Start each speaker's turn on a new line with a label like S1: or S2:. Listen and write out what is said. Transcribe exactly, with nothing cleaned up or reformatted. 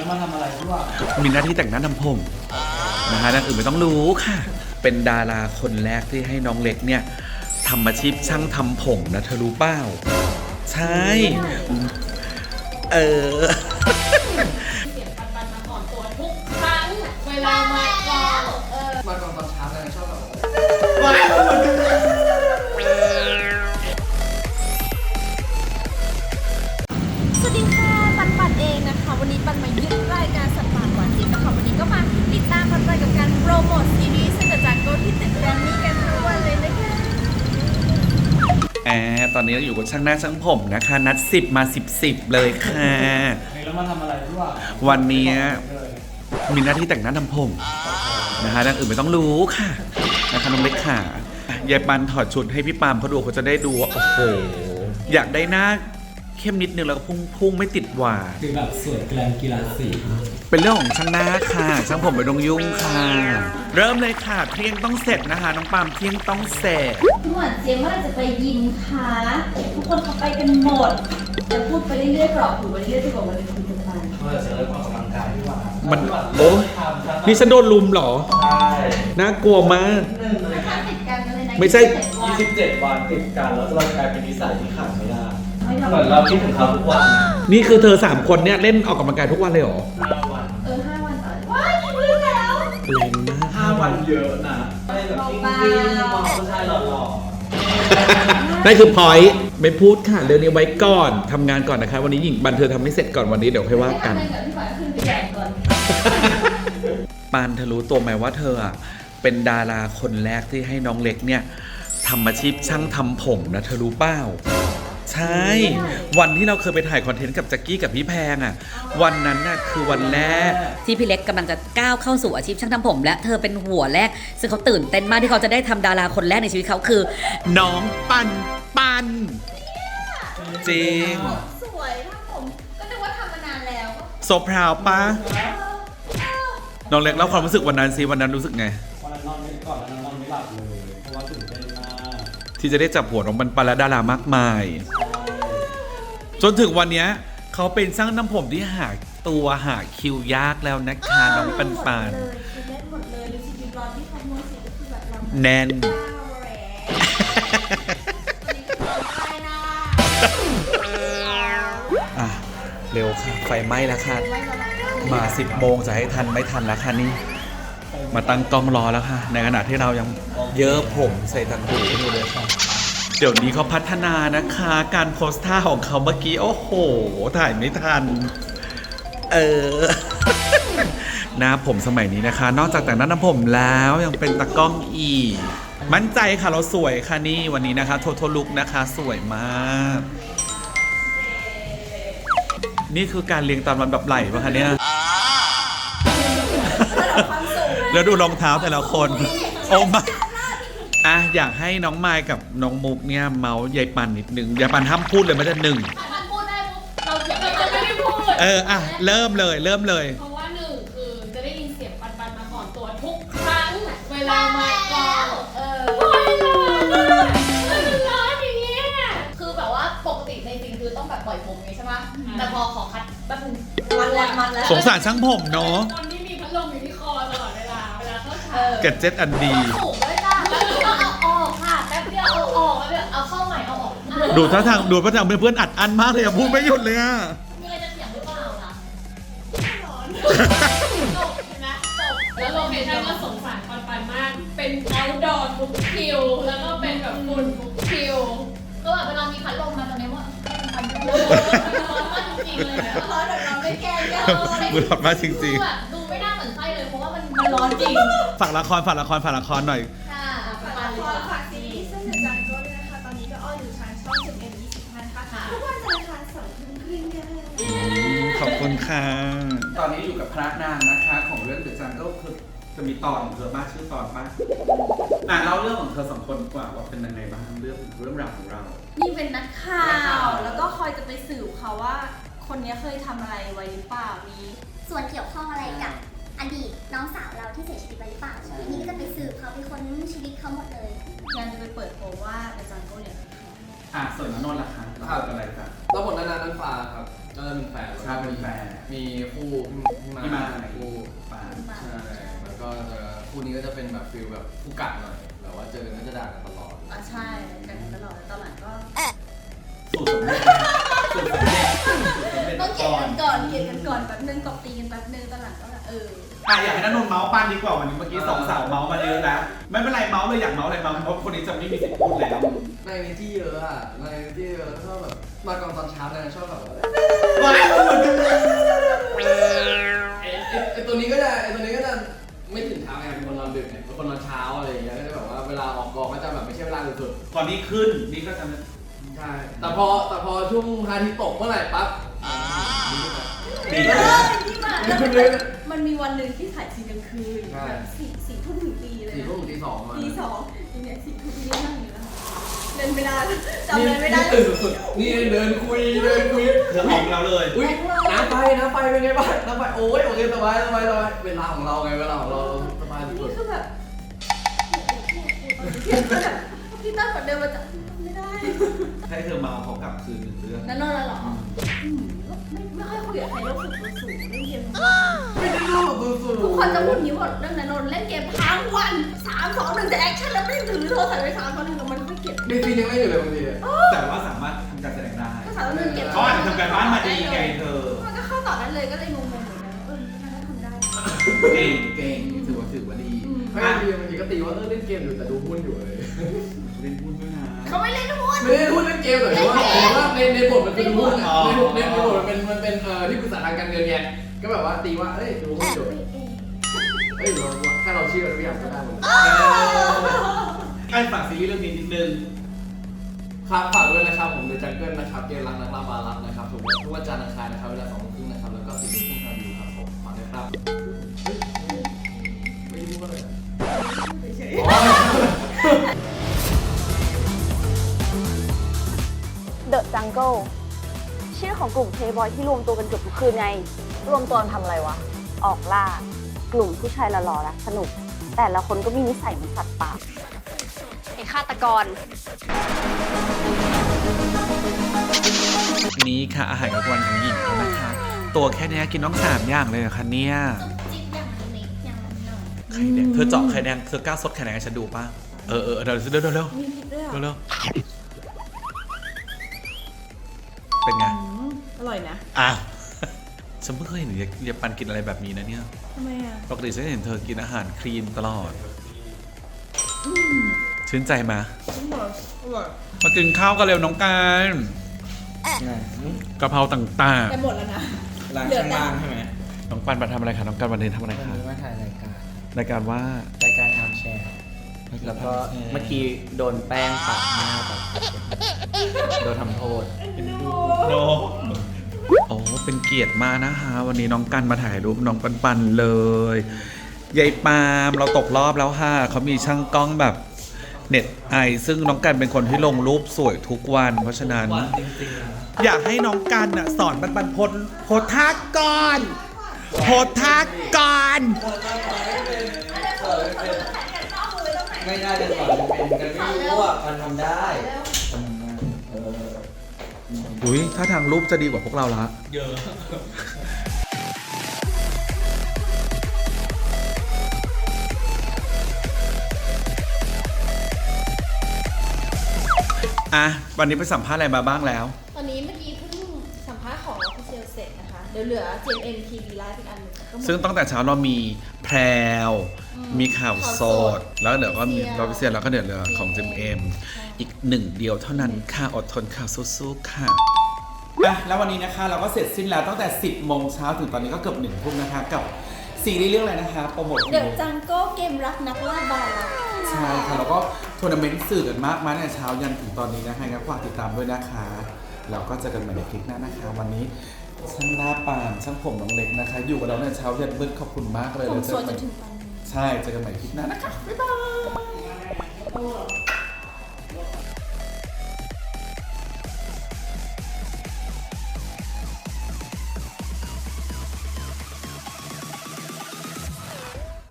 S1: มาทำอะไรที่ว่า
S2: มีหน้าที่แต่งหน้าทำผมนะฮะนั่นอื่นไม่ต้องรู้ค่ะเป็นดาราคนแรกที่ให้น้องเล็กเนี่ยทำอาชีพช่างทำผมนะเธอรู้เปล่าใช่เออ
S3: เสียงปันปันมาก่อนตัวทุกครั้งเวลามาก่อนเออ
S1: มาก่อนตอนเช้าเลยชอบแบบ
S4: สวัสดีค่ะปันปันเองนะคะวันนี้ปันมายึดรายการสัตว์ป่าก่อนจริงนะคะวันนี้ก็มาติดตามปันปันกับการโปรโมทซีรีส์เซนเตอร์จากโกที่ตึกแกรมมี่กันทุกวันเลยนะคะ
S2: แอบตอนนี้เราอยู่กับช่างหน้าช่างผมนะคะนัดสิบมาสิบสิบเลยค่ะ
S1: แล้วมาทำอะไรที่ว่า
S2: วันนี้มีหน้าที่แต่งหน้าทำผมนะคะนั่นอื่นไม่ต้องรู้ค่ะนะคะน้องเล็กค่ะยายปันถอดชุดให้พี่ปามเขาดูเขาจะได้ดูว่าโอ้โหอยากได้หน้าเข้มนิดนึงแล้วก็พุ่งพุ่งไม่ติดหวาน
S1: คือแบบสวยแกลมกีฬาสี
S2: เป็นเรื่องของช่างหน้าค่ะช่างผมไม่ต้องยุ่งค่ะเริ่มเลยค่ะเที่ยงต้องเสร็จนะคะน้องปามเที่ยงต้องเสร็จ
S4: พี่หวานเจี๊ยบเมื่อไหร่จะไปยิมคะทุกคนเขาไปกันหมดจะพูดไปเรื่อยๆกรอบหูไปเรื่อยๆจะบอกว่าเป็นคุยกันไป
S1: เมื่อจะเริ่มออกกำลังกายพี่หวาน
S2: มันโอ้นี่ฉันโดนลุมเหรอ
S1: ใช่
S2: น่ากลัวมาก
S4: ติดกันเลยนะ
S2: ไม่ใช่
S1: ยี่สิบเจ็ดวันติดกันแล้วเราจะกลายเป็นนิสัยที่ขาดไม่ได้เหมือนเราคิดถึงเขาทุกวัน
S2: นี่คือเธอสามคนเนี่ยเล่นออกกำลังกายทุกวันเลยเหรอ
S1: ห้าวัน
S4: เออห้าวันต่อว้ายกี่มื้อแล้ว
S2: แรงมาก
S1: ห้าวันเยอะนะไม่แบบจริงจริงมองผู้ชายหล่อ
S2: ๆนั่นคือพอยต์ไม่พูดค่ะเรื่องนี้ไว้ก่อนทำงานก่อนนะคะวันนี้หญิงบันเธอทำไม่เสร็จก่อนวันนี้เดี๋ยวค่อยว่ากันปานเธอรู้ตัวไหมว่าเธออ่ะเป็นดาราคนแรกที่ให้น้องเล็กเนี่ยทำอาชีพช่างทำผมนะเธอรู้เปล่าใช่วันที่เราเคยไปถ่ายคอนเทนต์กับแจ็คกี้กับพี่แพงอ่ะวันนั้นน่ะคือวันแรก
S5: ที่พี่เล็กกำลังจะก้าวเข้าสู่อาชีพช่างทำผมและเธอเป็นหัวแรกซึ่งเขาตื่นเต้นมากที่เขาจะได้ทำดาราคนแรกในชีวิตเขาคือ
S2: น้องปันปันจริง
S4: สวยถ้าผมก็นึกว่าทำมานานแล้ว
S2: โซพราวปะน้องเล็กเล่าความรู้สึกวันนั้นสิวันนั้นรู้สึกไง
S1: วันนั้นนอนไม่ก่อนแล้วนอนไม่หลับเลยเพราะว่าตื่นเต้นมาก
S2: ที่จะได้จับหัวน้องปันปันและดารามากมายจนถึงวันนี้เขาเป็นช่างน้ำผมที่หาตัวหาคิวยากแล้วนะคะน้องปันปันแน่นอ่ะเร็วค่ะไฟไหม้แล้วค่ะมาสิบโมงจะให้ทันไม่ทันแล้วค่ะนี่มาตั้งกล้องรอแล้วค่ะในขณะที่เรายังเยอะผมใส่ตังหูอยู่เลยค่ะเดี๋ยวนี้เขาพัฒนานะคะการโพสท่าของเขาเมื่อกี้โอ้โหถ่ายไม่ทันเออหน้าผมสมัยนี้นะคะนอกจากแต่งหน้าทำผมแล้วยังเป็นตากล้องอีกมั่นใจค่ะเราสวยค่ะนี่วันนี้นะคะโทโทลุกนะคะสวยมากนี่คือการเรียงตามลำดับไหลป่ะคะเนี่ยแล้วดูรองเท้าแต่ละคนโอ้มาอ่ะอยากให้น้องไมค์กับน้องมุกเนี่ยเมาส์ยายปันนิดนึงยายปันห้ามพูดเลยไม่ได้หนึ่ง
S3: พูดได้เราจะไม่ได้พูด
S2: เอออ่ะเริ่มเลยเริ่มเลย
S3: เพราะว่าหนึ่งคือจะได้ยินเสียงปันปันมาก่อนตัวทุกครั้งเวลามาก่อนเออโอ้ยร้อนมันร้อนอย่างเงี้ยคือแบบว่าปกติในจริงคือต้องแบบปล่อยผมไงใช่ไหมแต่พอขอคัดแป๊บนึงมันแล้วมันแล้ว
S2: สงสารช่างผมเนาะ
S3: คนที่มีพัดลมอยู่ที่คอตลอดเวลาเวลาเข้าฉาก
S2: เก็ตเจ็ตอันดี
S3: สูงด้วยจ้าแล้วก็เอาออกค่ะแป๊บเดียวเอาออกแล้วเดี๋ยวเอาเข้าใหม่เอาออก
S2: ดูท่าทางดูท่าทางเพื่อนๆอัดอั้นมากเลยอะพูดไม่หยุดเลยอะ
S3: มีอะไรจะเถียงหรือเปล่าล่ะร้อนจบนะจบแล้วโลเคชั่นก็สงสารปันปันมากเป็นเอาท์ดอร์ทุกคิวแล้วก็เป็นแบบฝุ่นทุกคิวก็แบบเวลามีพัดลมมาตอนนี้ว่ามันร้อนมากจริงๆเลยนะร้อนแบบเราไม่แก้ยัง
S2: มันร้อนมากจริง
S3: ๆแบบดูไม่น่าเหมือนไส้เลยเพราะว่ามันมันร้อนจริง
S2: ฝากละครฝากละครฝากละครหน่อย
S4: ค่ะฝากละครฝากซีรีส์เส้นเดือดจันทร์ด้วยนะคะตอนนี้ก็ออนอยู่ทางช่องสิบเอ็ดยี่สิบนะคะทุกวันจันทร์อังคารสองทุ่มครึ่งค่ะ
S2: ขอบคุณค่ะตอนนี้อยู่กับพระนางนะคะของเรื่องเดอะจันทร์ก็คือจะมีตอนของเธอบ้างชื่อตอนบ้างอ่ะเล่าเรื่องของเธอสองคนกว่าว่าเป็นยังไงบ้างเรื่องเรื่องราวของเรา
S4: นี่เป็นนักข่าวแล้วก็คอยจะไปสืบเขาว่าคนนี้เคยทำอะไรไว้หรือเปล่ามี
S6: ส่วนเกี่ยวข้องอะไรกับอดีตน้องสาวเราที่เสียชีวิตไปหรือเปล่านี่ก็จะไปสืบเขาไปค้นชีวิตเขาหมดเลย
S4: ยังจะไปเปิดโปงว่าอาจารย์โก้เนี่ย
S2: อ่ะส่วนนนท์ล่ะคะเราอะไรกัน
S1: เราบทนานานันฟ้าครับ
S7: ก็จะเป็นแฟน
S2: ใช่เป็นแฟน
S7: มีคู่พี่มา
S2: พี่มา
S7: คู่ปานใช่แล้วก็จะคู่นี้ก็จะเป็นแบบฟิลแบบคู่กัดหน่อยแบบว่าเจอกันก็จะด่ากันตลอด
S4: อ่ะใช่กันตลอดตอนหลังก็
S1: สูตรสำเร็จสูตรสำเร็จสูตรสำเร็จ
S4: ต้องเกลียด
S1: ก่อน
S4: กันก่อนเกลียดกันก่อนแป๊บนึงตบตีกันแป๊บนึงตอนหลังก็แบบเออ
S2: อ่ะอยากให้นันนนท์เมาส์ปันดีกว่าวันนี้เมื่อกี้สองสาวเมาส์มาเยอะนะไม่เป็นไรเมาส์เลยอยากเมาส์อะไรเมาส์เพราะคนนี้จะไม่มีสิทธิ์พูดแล้ว
S7: ในที่เยอะอ่ะในที่เยอะแล้วก็แบบมาก่อนตอนเช้าเนี่ยชอบแบบว่า
S2: ว้ายเหมือนกันเลย
S7: ไอ้ไอ้ไอ้ตัวนี้ก็จะไอ้ตัวนี้ก็จะไม่ตื่นเช้าไงเป็นคนนอนดึกไงเป็นคนนอนเช้าอะไรอย่างเงี้ยก็จะแบบว่าเวลาออกกองก็จะแบบไม่ใช่เวลาสุด
S2: ตอนนี้ขึ้นนี่ก็จะ
S7: ๆใช่แต่พอแต่พอช่วงพระอาทิตย์ตกเมื่อไหร่ปั๊บ
S2: ดี
S4: เอ
S2: นะ
S4: อที่มาแล้วมันมันมีวันหนึ่งที่ถ่ายซีนกลางคืนแบบสี่สี่ทุ่มถึงตีเลย
S7: สี่
S4: นะ
S7: ทุ่มถึงตีสองมา
S4: ตีสองทีเนี้ยสี่ทุ่มที่นั่งอยู่แล้วเดินไม่ได้จำเดินไม่ได้
S7: นี่ตื่นสุดๆนี่เดินคุยเดินคุย
S2: เธอออกแล้วเลย
S7: อุ้ยน้ำไฟน้ำไฟเป็นไงบ้างน้ำไฟโอ้ยโอเคสบายสบายสบายเวลาของเราไงเวลาของเราสบายสุ
S4: นี่
S7: ด
S4: คือแบบพี่ตั้งแบบเดินมาจากไม่ได้
S2: ให้เธอเมาส์เขากลับคืนหนึ่งเรื่อง
S4: นั่นนอนแล้วเหรอไม่ไม่ค่อยคุยกับใครแล้วฝึกตัวสูงเล่นเกม
S7: ๆไม่ได้รู้ตัวสูง
S4: ทุกคนจะพูดอย่างนี้หมดเรื่องนันนนเล่นเกมทั้งวันสามสองหนึ่งจะแอคชั่นแล้วไม่ถือโทรศัพท์ไปสามสองหนึ่งมันไม่เก็บ
S7: มีซีนยังเล่นอยู่เลยบางที
S2: แต่ว่าสามารถทำการแสดงได้
S4: ก็สามสองหนึ่งเก็บ
S2: เขาอาจจะทำการบ้านมาดีไงเธอ
S4: มันก็เข้าต่อได้เลยก็เลยงงๆเหมือนกันเออมันก็ทำได้
S2: เก่ง
S7: เก่งถือว่าถือว่าดีไม่ดีบางทีก็ตีว่าเออเล่นเกมอยู่แต่ดูหุ้นอยู่เลย
S2: เล่นพูดด้วยนะ
S4: เขาไม่เล่นหุ้น
S7: ไม่ได้หุ้นเล่นเกมแต่ว่าแต่ว่าในในบทมันเป็นหุ้นอ่ะในบทในบทมันเป็นมันเป็นเอ่อที่ปรึกษาทางการเงินไงก็แบบว่าตีว่าเอ้ยดูหุ้นอยู่เอ้ยเราถ้าเราเชื่อทุกอย่างก็ได้หมด
S2: ไอ้ฝากซีรีส์เรื่องนี้นิดนึง
S7: ครับฝากด้วยนะครับผมเดอะจังเกิลนะครับเกมรักนักล่าบารักนะครับทุกวันทุกวันจันทร์อังคารนะครับเวลาสองโมงครึ่งนะครับแล้วก็สี่ทุ่มครึ่งทางวิวครับผมฝากด้วยครับไม่ได้พูดอะไร
S8: The Jungle ชื่อของกลุ่มเพลย์บอยที่รวมตัวกันเกือบทุกคืนไง รวมตัวทำอะไรวะ ออกล่า กลุ่มผู้ชายหล่อๆและสนุก แต่ละคนก็มีนิสัยเหมือนสัตว์ป่าไอ้ฆาตกร
S2: นี้ค่ะอาหารกลางวันของหญิงเขานะคะ ตัวแค่เนี้ยกินต้องสามอย่างเลยเหรอคะเนี่ย
S4: จิ๊บอย่างละนิดอย่างละหน่อย
S2: ไข่แดงเธอเจาะไข่แดงเธอกล้าซดไข่แดงให้ฉันดูป่ะเออเออเดี๋ยวเร็วเร็วเร็ว
S4: มีพริกด้วย
S2: เร็ว
S4: อ่ะ
S2: เร็วเป็นไง
S4: อร่อยนะ
S2: อ้าวฉันเพิ่งเคยเห็นยายปันกินอะไรแบบนี้นะเนี่ย
S4: ทำไมอ่ะ
S2: ปกติฉันเห็นเธอกินอาหารคลีนตลอดชื่นใจมา
S4: อร่อยอร่อย
S2: มากินข้าวกันเร็วน้องการกะเพราต่าง
S4: แต่หมดแล้วนะ
S7: ร้านข้างล่างใช่ไหม
S2: ๆน้องปันมาทำอะไรคะน้องการวันนี้ทำอะไร
S9: วัน
S2: คะ
S9: นี้มาถ่ายรายการ
S2: รายการว่าร
S9: ายการทำแชร์ แล้วก็เมื่อกี้โดนแป้งปะหน้าแบบโดนทำโทษ
S2: โนโอ้เป็นเกียรติมากนะคะวันนี้น้องกันมาถ่ายรูปน้องปันปันเลยยายปาล์มเราตกรอบแล้วค่ะเขามีช่างกล้องแบบเน็ตไอซึ่งน้องกันเป็นคนที่ลงรูปสวยทุกวัน เพราะฉะนั้น อยากให้น้องกันน่ะสอนปันปันโพสโพสท่าก่อนโพสท่าก่อน
S9: ไม่ได้จะสอนเป็นกันไม่รู้ว่ามันทำได้เออ
S2: อุ้ยถ้าทางรูปจะดีกว่าพวกเราละเยอะอ่ะวันนี้ไปสัมภาษณ์อะไรมาบ้างแล้ว
S4: ตอนนี้เมื่อกี้เพิ่งสัมภาษณ์ของออฟฟิเชียลเสร็จนะคะ เดี๋ยวเหลือ จี เอ็ม เอ็ม ที วี Live อีกอันหนึงก็หมด
S2: ซึ่งตั้งแต่เช้าเรามีแพรว
S4: อืม
S2: มีข่าวสด แล้วเดี๋ยวก็มี
S4: Official
S2: เราพิเศษแล้วก็เดี๋ยวเหลือของ จี เอ็ม เอ็ม
S4: ใช่
S2: อีกหนึ่งเดียวเท่านั้นค่ะอดทนค่ะสู้ๆค่ะอ่ะแล้ววันนี้นะคะเราก็เสร็จสิ้นแล้วตั้งแต่ สิบโมงเช้าถึงตอนนี้ก็เกือบหนึ่งทุ่มนะคะกับซีรีส์เรื่องอะไรนะคะโปรโมท
S4: เดี๋ยวจังก็เกมรักนักล่าบาร์
S2: ใช่ค่ะแล้วก็ทัวร์นาเมนต์สื่อกันมากมาตั้งแต่เช้ายันถึงตอนนี้นะคะงั้นฝากติดตามด้วยนะคะแล้วก็เจอกันใหม่ในคลิปหน้านะคะ วันนี้ช่างหน้าปานช่างผมน้องเล็กนะคะ อยู่กับเราในเช้ายันมืดขอบคุณมากเลย
S4: ผม
S2: แล้วเจ
S4: โซ
S2: อน
S4: จ
S2: กัน
S4: นถึงปันนี้
S2: ใช่เจอกันใหม่คลิปหน้านะคะบ๊ายบาย